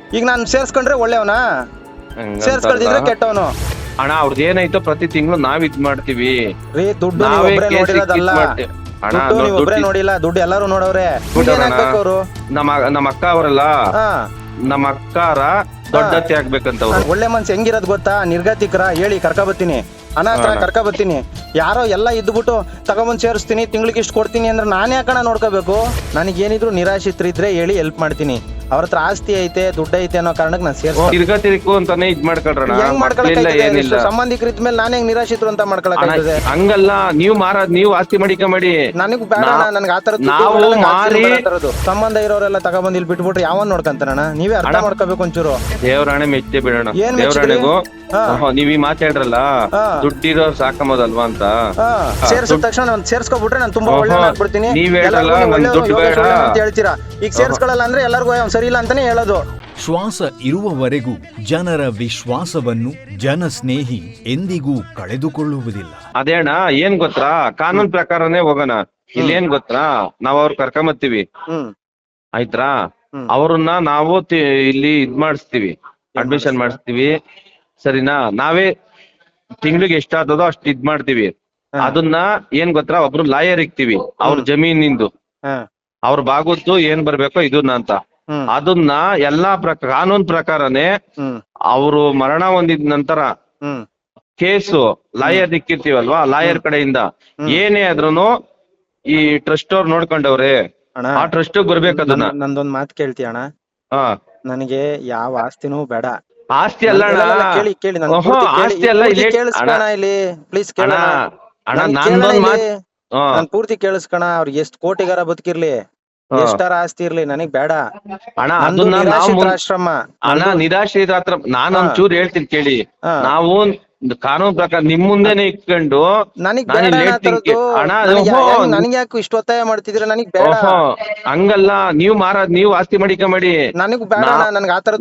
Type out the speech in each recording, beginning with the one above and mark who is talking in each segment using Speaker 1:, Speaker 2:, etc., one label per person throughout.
Speaker 1: ಈಗ ನಾನು ಸೇರ್ಸ್ಕೊಂಡ್ರೆ ಒಳ್ಳೆಯವನಾ, ಸೇರ್ಸ್ಕೊಳ್ದಿದ್ರೆ ಕೆಟ್ಟವನು.
Speaker 2: ಅಣ್ಣ ಅವ್ರದ್ದು ಏನಾಯ್ತೋ ಪ್ರತಿ ತಿಂಗಳು ನಾವ್ ಇದ್ ಮಾಡ್ತೀವಿ
Speaker 1: ರೀ. ದುಡ್ಡು ನೀವ್
Speaker 2: ನಾವೇ
Speaker 1: ಒಬ್ರೇ ನೋಡಿರೋದಲ್ಲ,
Speaker 2: ಅಣ್ಣ
Speaker 1: ದುಡ್ಡು ನೀವ್ ಒಬ್ರೇ ನೋಡಿಲ್ಲ, ದುಡ್ಡು ಎಲ್ಲಾರು ನೋಡವ್ರೆ. ಅವ್ರು
Speaker 2: ನಮ್ಮ ಅಕ್ಕ ಅವರಲ್ಲ,
Speaker 1: ಹಾ,
Speaker 2: ನಮ್ಮ ಅಕ್ಕಾರ ದೊಡ್ಡತ್ತೆ ಆಗ್ಬೇಕಂತ ಅವ್ರು.
Speaker 1: ಒಳ್ಳೆ ಮನ್ಸು ಹೆಂಗಿರೋದ್ ಗೊತ್ತಾ? ನಿರ್ಗತಿಕರ ಹೇಳಿ ಕರ್ಕ ಬತ್ತೀನಿ, ಅನಾಥ ಕರ್ಕ ಬತ್ತೀನಿ. ಯಾರೋ ಎಲ್ಲ ಇದ್ಬಿಟ್ಟು ತಗೊಂಬಂದ್ ಸೇರಿಸ್ತೀನಿ, ತಿಂಗ್ಳಿಗೆ ಇಷ್ಟು ಕೊಡ್ತೀನಿ ಅಂದ್ರೆ ನಾನೇ ಯಾಕಣ ನೋಡ್ಕೋಬೇಕು? ನನಗೇನಿದ್ರು ನಿರಾಶ್ರಿತರಿದ್ರೆ ಹೇಳಿ ಹೆಲ್ಪ್ ಮಾಡ್ತೀನಿ. ಅವ್ರ ಹತ್ರ ಆಸ್ತಿ ಐತೆ, ದುಡ್ಡು ಐತೆ ಅನ್ನೋ ಕಾರಣಕ್ಕೆ ನಾನು ಸೇರ್ಸ್ತೀನಿ.
Speaker 2: ತಿರ್ಗತಿರಿಕು ಅಂತಾನೆ ಇದ್ ಮಾಡ್ಕೊಳ್ರಣ.
Speaker 1: ಏನಿಲ್ಲ, ಸಂಬಂಧಿಕರಿದ್ದ ಮೇಲೆ ನಾನೇ ನಿರಾಶ್ರಿತರು ಅಂತ ಮಾಡ್ಕೊಳಕ್ಕೆ
Speaker 2: ಹಂಗಲ್ಲ. ನೀವು ಆಸ್ತಿ ಮಾಡಿಕೊಂಬೇಡಿ.
Speaker 1: ನನಗ್ ಬೇಡ, ನನ್ಗೆ ಆತರ
Speaker 2: ನಾವು ಮಾರಿ
Speaker 1: ಸಂಬಂಧ ಇರೋರೆಲ್ಲ ತಗೊಂಬಂದ್ ಇಲ್ಲಿ ಬಿಟ್ಬಿಟ್ರೆ ಯಾವನ್ ನೋಡ್ಕಂತಾರಣ? ನೀವೇ ಅರ್ಥ ಮಾಡ್ಕೋಬೇಕು ಒಂಚೂರು.
Speaker 2: ದೇವರಾಣೆ ಮೆಚ್ಚೆ ಬಿಡೋಣ. ದೇವರಾಣೆಗೂ ನೀವ್ ಈ ಮಾತಾಡ್ರಲ್ಲ, ದುಡ್ಡಿರೋ ಸಾಕಂಬೋದಲ್ವಾ ಅಂತ.
Speaker 1: ಸೇರ್ಸಿದ ತಕ್ಷಣ ನಾನು ಸೇರ್ಸ್ಕೊಬಿಟ್ರೆ ನಾನು ತುಂಬಾ ಒಳ್ಳೆ ಆಗ್ಬಿಡ್ತೀನಿ.
Speaker 2: ನೀವ್ ಹೇಳಲ್ಲ ದುಡ್ಡು ಬೇಡ
Speaker 1: ಅಂತ ಹೇಳ್ತೀರಾ. ಈಗ ಸೇರ್ಸ್ಕೊಳ್ಳಲ್ಲ ಅಂದ್ರೆ ಎಲ್ಲರಿಗೂ ಸರಿ ಇಲ್ಲ ಅಂತಾನೆ ಹೇಳೋದು.
Speaker 3: ಶ್ವಾಸ ಇರುವವರೆಗೂ ಜನರ ವಿಶ್ವಾಸವನ್ನು ಜನಸ್ನೇಹಿ ಎಂದಿಗೂ ಕಳೆದುಕೊಳ್ಳುವುದಿಲ್ಲ.
Speaker 2: ಅದೇ ಅಣ್ಣ, ಏನ್ ಗೊತ್ತಾ, ಕಾನೂನ್ ಪ್ರಕಾರನೇ ಹೋಗೋಣ. ಇಲ್ಲಿ ಏನ್ ಗೊತ್ತಾ, ನಾವ್ ಅವ್ರ ಕರ್ಕೊಂಬತ್ತೀವಿ ಆಯ್ತಾ, ಅವ್ರನ್ನ ನಾವು ಇಲ್ಲಿ ಇದ್ ಮಾಡಿಸ್ತೀವಿ, ಅಡ್ಮಿಷನ್ ಮಾಡಿಸ್ತೀವಿ, ಸರಿನಾ? ನಾವೇ ತಿಂಗ್ಳಿಗೆ ಎಷ್ಟಾಗ್ತದೋ ಅಷ್ಟು ಇದ್ ಮಾಡ್ತೀವಿ. ಅದನ್ನ ಏನ್ ಗೊತ್ತಾ, ಒಬ್ರು ಲಾಯರ್ ಇಕ್ತಿವಿ, ಅವ್ರ ಜಮೀನಿಂದು ಅವ್ರ ಬಾಗುದ್ದು ಏನ್ ಬರ್ಬೇಕೋ ಇದನ್ನ ಅಂತ. ಅದನ್ನ ಎಲ್ಲಾ ಕಾನೂನ್ ಪ್ರಕಾರನೇ ಅವರು ಮರಣ ಹೊಂದಿದ ನಂತರ ಕೇಸು ಲಾಯರ್ ಇಕ್ಕಿರ್ತೀವಲ್ವಾ, ಲಾಯರ್ ಕಡೆಯಿಂದ ಏನೇ ಆದ್ರೂನು ಈ ಟ್ರಸ್ಟ್ ಅವ್ರು ನೋಡ್ಕೊಂಡವ್ರೆ, ಆ ಟ್ರಸ್ಟ್ ಬರ್ಬೇಕು. ಅದನ್ನ
Speaker 1: ನಂದೊಂದ್ ಮಾತು ಕೇಳ್ತೀಯ ಅಣ್ಣ? ನನಗೆ ಯಾವ ಆಸ್ತಿನೂ ಬೇಡ.
Speaker 2: ಆಸ್ತಿ ಅಲ್ಲ
Speaker 1: ಕೇಳಿ ಕೇಳಿ,
Speaker 2: ಆಸ್ತಿ ಅಲ್ಲ
Speaker 1: ಇಲ್ಲಿ ಪ್ಲೀಸ್ ಕೇಳ
Speaker 2: ಅಣ್ಣ. ನಾನ್
Speaker 1: ಪೂರ್ತಿ ಕೇಳಿಸ್ಕಣ. ಅವ್ರಿಗೆ ಎಷ್ಟ್ ಕೋಟಿಗಾರ ಬದುಕಿರ್ಲಿ, ಎಷ್ಟಾರ ಆಸ್ತಿ ಇರ್ಲಿ, ನನಗ್ ಬೇಡ
Speaker 2: ಅಣ್ಣ. ಅದನ್ನ
Speaker 1: ಆಶ್ರಮ
Speaker 2: ಅಣ್ಣ, ನಿರಾಶ್ರಿತ ಹತ್ರ ನಾನು ಒಂಚೂರು ಹೇಳ್ತೀನಿ ಕೇಳಿ. ನಾವು ಕಾನೂನು ಪ್ರಕಾರ ನಿಮ್ ಮುಂದೆನೆ ಇಟ್ಕೊಂಡು
Speaker 1: ನನಗೆ ಯಾಕೆ ಇಷ್ಟು ಒತ್ತಾಯ ಮಾಡ್ತಿದ್ರೆ? ನನಗ್ ಬೇಡ.
Speaker 2: ಹಂಗಲ್ಲ, ನೀವು ಆಸ್ತಿ ಮಾಡಿಕೊಂಬೇಡಿ.
Speaker 1: ನನಗ್ ಬೇಡ, ನನ್ಗೆ ಆತರ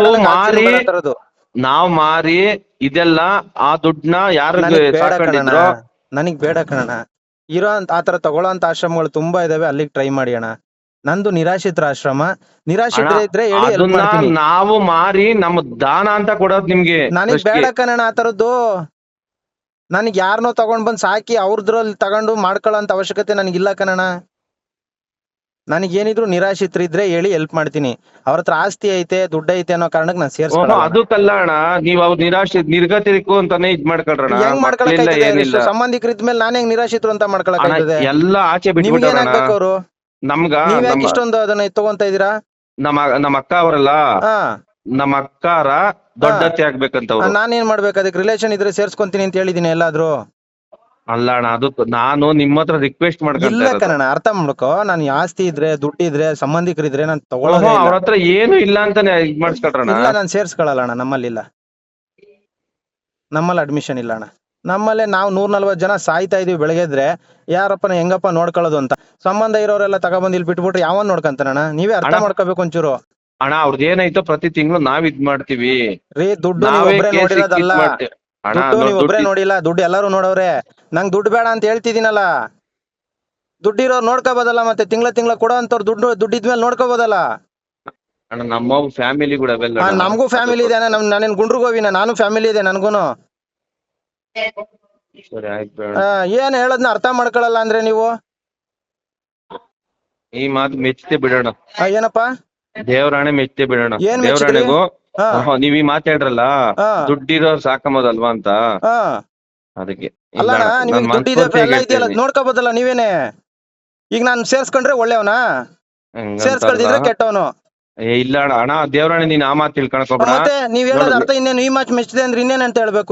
Speaker 2: ನಾವ್ ಮಾರಿ ಇದೆಲ್ಲ ಆ ದುಡ್ಡನ್ನ ಯಾರು ಸಾಕೊಂಡಿದ್ರು
Speaker 1: ನನಗ್ ಬೇಡ ಕಣ. ಇರೋ ಆತರ ತಗೊಳ್ಳೋ ಅಂತ ಆಶ್ರಮಗಳು ತುಂಬಾ ಇದಾವೆ, ಅಲ್ಲಿಗೆ ಟ್ರೈ ಮಾಡಿ ಅಣ್ಣ. ನಂದು ನಿರಾಶ್ರಿತರ ಆಶ್ರಮ. ನಿರಾಶ್ರಿತರ ಇದ್ರೆ
Speaker 2: ನಾವು ಮಾರಿ ನಮ್ಮ ದಾನ ಅಂತ ಕೊಡೋದು ನಿಮ್ಗೆ.
Speaker 1: ನನಗ್ ಬೇಡ ಕಣ ಆತರದ್ದು. ನನಗ್ ಯಾರನ್ನೋ ತಗೊಂಡ್ ಬಂದ್ ಸಾಕಿ ಅವ್ರದ್ರಲ್ಲಿ ತಗೊಂಡು ಮಾಡ್ಕೊಳ್ಳೋ ಅಂತ ಅವಶ್ಯಕತೆ ನನಗಿಲ್ಲ ಕಣ. ನನಗೇನಿದ್ರು ನಿರಾಶ್ರಿತರಿದ್ರೆ ಹೇಳಿ ಹೆಲ್ಪ್ ಮಾಡ್ತೀನಿ. ಅವ್ರ ಹತ್ರ ಆಸ್ತಿ ಐತೆ, ದುಡ್ಡು ಐತೆ ಅನ್ನೋ ಕಾರಣಕ್ಕೆ ನಾನು ಸೇರ್ಸ್ಕೊಳ್ಳ.
Speaker 2: ಅದಕ್ಕಲ್ಲ ಅಣ್ಣ, ನೀವ್ ಅವ್ರ ನಿರ್ಗತಿರಿಕು ಅಂತಾನೆ ಇದ್ ಮಾಡ್ಕೊಳ್ರಣ.
Speaker 1: ಹೆಂಗ್ ಮಾಡ್ಕೊಳಕ್? ಸಂಬಂಧಿಕರಿದ್ದ ಮೇಲೆ ನಾನೇ ನಿರಾಶ್ರಿತರು ಅಂತ ಮಾಡ್ಕೊಳಕ್?
Speaker 2: ಎಲ್ಲ ಆಚೆ ಬಿಟ್ಬಿಟ್ಟು
Speaker 1: ಅವ್ರು
Speaker 2: ನಮ್ಗ
Speaker 1: ಇಷ್ಟೊಂದು ಅದನ್ನ ತಗೊಂತ ಇದೀರಾ?
Speaker 2: ನಮ್ಮ ಅಕ್ಕ ಅವರಲ್ಲ, ನಮ್ಮ ಅಕ್ಕಾರ ದೊಡ್ಡತ್ತೆ ಆಗ್ಬೇಕಂತ.
Speaker 1: ನಾನೇನ್ ಮಾಡ್ಬೇಕು? ಅದಕ್ಕೆ ರಿಲೇಷನ್ ಇದ್ರೆ ಸೇರ್ಸ್ಕೊಂತೀನಿ ಅಂತ ಹೇಳಿದೀನಿ ಎಲ್ಲಾದ್ರೂ?
Speaker 2: ಅಲ್ಲ ಅಣ್ಣ, ಅದು ನಾನು ನಿಮ್ಮ ಹತ್ರ ರಿಕ್ವೆಸ್ಟ್
Speaker 1: ಮಾಡ್ಕೊಂಡ ಅರ್ಥ ಮಾಡ್ಕೋ. ನಾನು ಆಸ್ತಿ ಇದ್ರೆ, ದುಡ್ಡಿದ್ರೆ, ಸಂಬಂಧಿಕರಿದ್ರೆ ನಾನು ತಗೊಳ್ಳೋದು.
Speaker 2: ಅವ್ರ ಹತ್ರ ಏನು ಇಲ್ಲ ಅಂತಾನೆ ಇದ್ ಮಾಡ್ಸ್ಕೊಳ್ರಣ.
Speaker 1: ಇಲ್ಲ, ನಾನು ಸೇರ್ಸ್ಕೊಳಲ್ಲ ಅಣ್ಣ. ನಮ್ಮಲ್ಲಿ ಇಲ್ಲ, ನಮ್ಮಲ್ಲಿ ಅಡ್ಮಿಷನ್ ಇಲ್ಲ ಅಣ್ಣ. ನಮ್ಮಲ್ಲೇ ನಾವು 140 ಜನ ಸಾಯ್ತಾ ಇದೀವಿ ಬೆಳಗ್ಗೆದ್ರೆ. ಯಾರಪ್ಪನ ಹೆಂಗಪ್ಪ ನೋಡ್ಕೊಳ್ಳೋದು ಅಂತ. ಸಂಬಂಧ ಇರೋರೆಲ್ಲ ತಗೊಬಂದ್ ಇಲ್ಲಿ ಬಿಟ್ಬಿಟ್ರೆ ಯಾವನ್ ನೋಡ್ಕಂತಾನಣ್ಣ? ನೀವೇ ಅರ್ಥ ಮಾಡ್ಕೋಬೇಕು ಒಂಚೂರು.
Speaker 2: ಅಣ್ಣ ಅವ್ರದ್ದು ಏನಾಯ್ತೋ ಪ್ರತಿ ತಿಂಗಳು ನಾವ್ ಇದ್ ಮಾಡ್ತೀವಿ.
Speaker 1: ರೀ, ದುಡ್ಡು ನೀವ್ ಒಬ್ರೇ ನೋಡಿರೋದಲ್ಲ, ದುಡ್ಡು ನೀವ್ ಒಬ್ರೇ ನೋಡಿಲ್ಲ, ದುಡ್ಡು ಎಲ್ಲಾರು ನೋಡವ್ರೆ. ನಂಗ್ ದುಡ್ಡು ಬೇಡ ಅಂತ ಹೇಳ್ತಿದ್ದೀನಲ್ಲ. ದುಡ್ಡಿರೋರು ನೋಡ್ಕೋಬೋದಲ್ಲ, ಮತ್ತೆ ತಿಂಗಳ ಕೊಡೋ ಅಂತವ್ರು ದುಡ್ಡಿದ್ಮೇಲೆ ನೋಡ್ಕೋಬೋದಲ್ಲ.
Speaker 2: ನಮ್ಮ ಫ್ಯಾಮಿಲಿ ಕೂಡ
Speaker 1: ನಮಗೂ ಫ್ಯಾಮಿಲಿ ಇದೆ. ನಾನೇನ್ ಗುಂಡ್ರಿಗೋವಿನ? ನಾನು ಫ್ಯಾಮಿಲಿ ಇದೆ ನನ್ಗೂನು. ಏನ್ ಹೇಳದ್ನ ಅರ್ಥ ಮಾಡ್ಕೊಳಲ್ಲ ಅಂದ್ರೆ ನೀವು?
Speaker 2: ಈ ಮಾತು ಮೆಚ್ಚತೆ ಬಿಡೋಣ.
Speaker 1: ಏನಪ್ಪಾ?
Speaker 2: ದೇವರಾಣೆ ಮೆಚ್ಚತೆ ಬಿಡೋಣ. ದೇವರಾಣೆಗೂ ನೀವ್ ಈ ಮಾತಾಡ್ರಲ್ಲ, ದುಡ್ಡಿರೋ ಸಾಕಂಬೋದಲ್ವಾ ಅಂತ. ಅದಕ್ಕೆ
Speaker 1: ಅಲ್ಲಣ್ಣ, ನಿಮ್ಗೆ ದುಡ್ಡಿದೆ ಎಲ್ಲ ಇದೆಯಲ್ಲ, ನೋಡ್ಕೋಬೋದಲ್ಲ ನೀವೇನೆ. ಈಗ ನಾನು ಸೇರ್ಸ್ಕೊಂಡ್ರೆ ಒಳ್ಳೆಯವನಾ, ಸೇರ್ಸ್ಕೊಳ್ದಿದ್ರೆ ಕೆಟ್ಟವನು?
Speaker 2: ಇಲ್ಲ ಅಣ್ಣ, ದೇವರಾಣೆ ನೀನ್ ಆ ಮಾತು ತಿಳ್ಕೊಳಕೋಬೇಡ.
Speaker 1: ಮತ್ತೆ ನೀವ್ ಹೇಳೋದ್ ಅರ್ಥ ಇನ್ನೇನು? ಈ ಮಾತು ಮೆಚ್ಚಿದೆ ಅಂದ್ರೆ ಇನ್ನೇನ್ ಅಂತ ಹೇಳ್ಬೇಕು?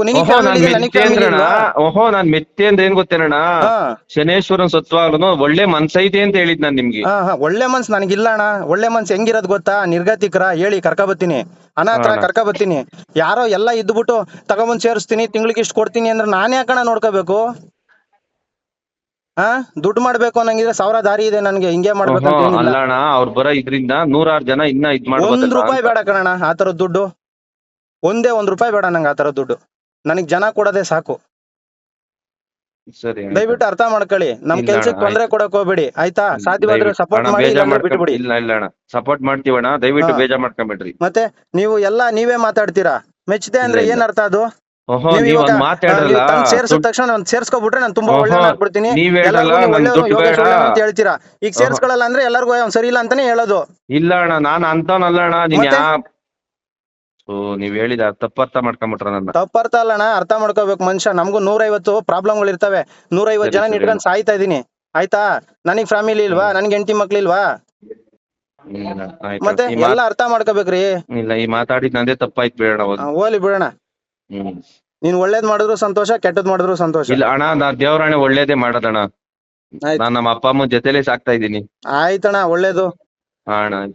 Speaker 2: ಓಹೋ, ನಾನ್ ಮೆಚ್ಚೆ ಅಂದ್ರೆ ಏನ್ ಗೊತ್ತೇನಣ್ಣ, ಶನೇಶ್ವರನ್ ಸತ್ವಾಗ್ಲೂ ಒಳ್ಳೆ ಮನ್ಸೈತೆ ಅಂತ ಹೇಳಿದ್ ನಾನ್ ನಿಮ್ಗೆ.
Speaker 1: ಒಳ್ಳೆ ಮನ್ಸ್ ನನಗಿಲ್ಲ ಅಣ್ಣ. ಒಳ್ಳೆ ಮನ್ಸ್ ಹೆಂಗಿರೋದ್ ಗೊತ್ತಾ? ನಿರ್ಗತಿಕರ ಹೇಳಿ ಕರ್ಕ ಬತ್ತೀನಿ, ಅನಾಥ ಕರ್ಕ ಬತ್ತೀನಿ. ಯಾರೋ ಎಲ್ಲ ಇದ್ಬಿಟ್ಟು ತಗೊಂಬಂದ್ ಸೇರಿಸ್ತೀನಿ, ತಿಂಗ್ಳಿಗೆ ಇಷ್ಟು ಕೊಡ್ತೀನಿ ಅಂದ್ರೆ ನಾನೇ ಯಾಕಣ ನೋಡ್ಕೋಬೇಕು? ದುಡ್ಡು ಮಾಡ್ಬೇಕು ಅನ್ನಂಗಿದ್ರೆ 1000 ದಾರಿ ಇದೆ ನನ್ಗೆ. ಹಿಂಗೆ ಮಾಡ್ಬೇಕು
Speaker 2: ಅಲ್ಲಣ್ಣ, ಅವ್ರು ಬರೋ ಇದ್ರಿಂದ 100 ಜನ ಇನ್ನ ಇದ್ ಮಾಡ್ಬೋದು.
Speaker 1: 1 ರೂಪಾಯಿ ಬೇಡ ಕಣಣ್ಣ ಆತರದ್ ದುಡ್ಡು. ಒಂದೇ 1 ರೂಪಾಯಿ ಬೇಡ ನಂಗೆ ಆತರದ್ ದುಡ್ಡು. ನನಗ್ ಜನ ಕೊಡೋದೇ ಸಾಕು.
Speaker 2: ಸರಿ ಅಣ್ಣ.
Speaker 1: ದಯವಿಟ್ಟು ಅರ್ಥ ಮಾಡ್ಕೊಳ್ಳಿ. ನಮ್
Speaker 2: ಇಲ್ಲ
Speaker 1: ಕೆಲ್ಸಕ್ಕೆ
Speaker 2: ಅಣ್ಣ,
Speaker 1: ತೊಂದ್ರೆ ಕೊಡಕ್ ಹೋಗ್ಬೇಡಿ ಆಯ್ತಾ. ಸಾಧ್ಯವಾದ್ರೆ
Speaker 2: ದಯವಿಟ್ಟು
Speaker 1: ಸಪೋರ್ಟ್
Speaker 2: ಅಣ್ಣ
Speaker 1: ಮಾಡಿ,
Speaker 2: ಬೇಜಾರ್
Speaker 1: ಇಲ್ಲಾಂದ್ರೆ ಬಿಟ್ಬಿಡಿ.
Speaker 2: ಇಲ್ಲ ಇಲ್ಲ ಅಣ್ಣ, ಸಪೋರ್ಟ್ ಮಾಡ್ತೀವಣ್ಣ, ದಯವಿಟ್ಟು
Speaker 1: ಹಾ.
Speaker 2: ಬೇಜಾರ್ ಮಾಡ್ಕೊಂಬೇಡ್ರಿ.
Speaker 1: ಮತ್ತೆ ನೀವು ಎಲ್ಲಾ ನೀವೇ ಮಾತಾಡ್ತೀರಾ. ಮೆಚ್ಚದೆ ಅಂದ್ರೆ
Speaker 2: ಇಲ್ಲ,
Speaker 1: ಏನ್ ಅರ್ಥ ಅದು?
Speaker 2: ಓಹೋ,
Speaker 1: ನೀವು
Speaker 2: ನೀವ್
Speaker 1: ಇವಾಗ
Speaker 2: ಒಂದ್ ಮಾತಾಡ್ರಲ್ಲ,
Speaker 1: ಸೇರ್ಸಿದ ತಕ್ಷಣ ನಾನು ಸೇರ್ಸ್ಕೊಬಿಟ್ರೆ ನಾನು ತುಂಬಾ
Speaker 2: ಓಹೋ,
Speaker 1: ಒಳ್ಳೆಯವ್ನಾಗ್ಬಿಡ್ತೀನಿ,
Speaker 2: ನೀವ್ ಹೇಳಲ್ಲ,
Speaker 1: ಎಲ್ಲರಿಗೂ ನೀವು
Speaker 2: ನನ್
Speaker 1: ಒಳ್ಳೆಯವ್ನು,
Speaker 2: ದುಡ್ಡು
Speaker 1: ಯೋಗೇಶ್
Speaker 2: ಬೇಡ.
Speaker 1: ಒಳ್ಳೆಯವ್ನು ಅಂತ ಹೇಳ್ತೀರಾ. ಈಗ
Speaker 2: ಓಹೋ.
Speaker 1: ಸೇರ್ಸ್ಕೊಳಲ್ಲ ಅಂದ್ರೆ ಎಲ್ಲರಿಗೂ ಅವ್ನು ಸರಿ ಇಲ್ಲ ಅಂತಾನೆ ಹೇಳೋದು.
Speaker 2: ಇಲ್ಲ ಅಣ್ಣ, ನಾನ್ ಅಂತವನಲ್ಲ ಅಣ್ಣ, ನೀನ್
Speaker 1: ಮತ್ತೆ?
Speaker 2: ನೀವ್ ಹೇಳಿದ ತಪ್ಪರ್ಥ ಮಾಡ್ಕೊಂಬಿಟ್ರ ನನ್ನ.
Speaker 1: ತಪ್ಪರ್ಥ ಅಲ್ಲಣ್ಣ, ಅರ್ಥ ಮಾಡ್ಕೋಬೇಕು ಮನುಷ್ಯ. ನಮಗೂ 150 ಪ್ರಾಬ್ಲಮ್ಗಳು ಇರ್ತವೆ. 150 ಜನ
Speaker 2: ಸರಿ,
Speaker 1: ಇಟ್ಕೊಂಡು ಸಾಯ್ತಾ ಇದೀನಿ ಆಯ್ತಾ. ನನಗ್ ಫ್ಯಾಮಿಲಿ ಇಲ್ವಾ? ನನ್ಗೆ ಹೆಂಡತಿ ಮಕ್ಳಿಲ್ವಾ?
Speaker 2: ಇಲ್ಲ, ಆಯ್ತು.
Speaker 1: ಮತ್ತೆ ಎಲ್ಲ ಅರ್ಥ ಮಾಡ್ಕೋಬೇಕ್ರಿ.
Speaker 2: ಇಲ್ಲ, ಈ ಮಾತಾಡಿದ್ ನಂದೇ ತಪ್ಪಾಯ್ತು, ಬೇಡ ಅವಾಗ.
Speaker 1: ಹೋಗ್ಲಿ ಬಿಡೋಣ.
Speaker 2: ಹ್ಮ್.
Speaker 1: ನೀನ್ ಒಳ್ಳೇದ್ ಮಾಡಿದ್ರು ಸಂತೋಷ, ಕೆಟ್ಟದ್ ಮಾಡಿದ್ರು ಸಂತೋಷ.
Speaker 2: ಇಲ್ಲ ಅಣ್ಣ, ನಾ ದೇವ್ರಾಣೆ ಒಳ್ಳೇದೇ ಮಾಡೋದಣ್ಣ.
Speaker 1: ಆಯ್ತು
Speaker 2: ನಾನ್ ನಮ್ಮ ಅಪ್ಪ ಅಮ್ಮನ ಜೊತೆಲೆ ಸಾಕ್ತಾ ಇದ್ದೀನಿ.
Speaker 1: ಆಯ್ತಣ್ಣ, ಒಳ್ಳೇದು.
Speaker 2: ಹಾ ಅಣ್ಣ.